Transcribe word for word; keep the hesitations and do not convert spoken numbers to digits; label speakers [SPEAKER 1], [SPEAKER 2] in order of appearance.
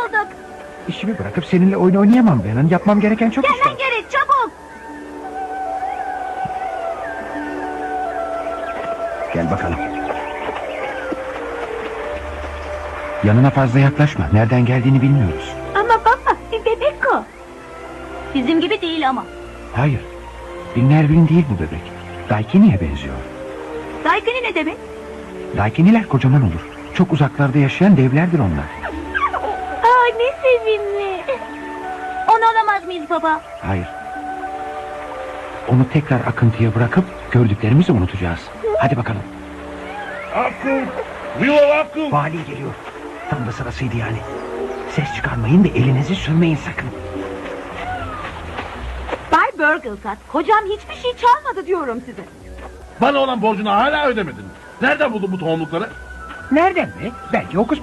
[SPEAKER 1] bulduk.
[SPEAKER 2] İşimi bırakıp seninle oyun oynayamam Venan. Yapmam gereken çok iş var.
[SPEAKER 1] Gelmen gerek, çabuk.
[SPEAKER 2] Gel bakalım. Yanına fazla yaklaşma. Nereden geldiğini bilmiyoruz.
[SPEAKER 1] Ama baba, bir bebek o. Bizim gibi değil ama.
[SPEAKER 2] Hayır. Bir Nervin değil bu bebek. Daikini'ye benziyor.
[SPEAKER 1] Daikini ne demek?
[SPEAKER 2] Daikiniler kocaman olur. Çok uzaklarda yaşayan devlerdir onlar.
[SPEAKER 1] Aa, ne sevimli. Onu alamaz mıyız baba?
[SPEAKER 2] Hayır. Onu tekrar akıntıya bırakıp gördüklerimizi unutacağız. Hadi bakalım.
[SPEAKER 3] Akku! Willow Akku!
[SPEAKER 2] Vali geliyor. Tam da sırasıydı yani. Ses çıkarmayın ve elinizi sürmeyin sakın.
[SPEAKER 1] Bay Burglecat, kocam hiçbir şey çalmadı diyorum size.
[SPEAKER 3] Bana olan borcunu hala ödemedin. Nereden buldun bu tohumlukları?
[SPEAKER 2] Nereden mi? Belki Hokus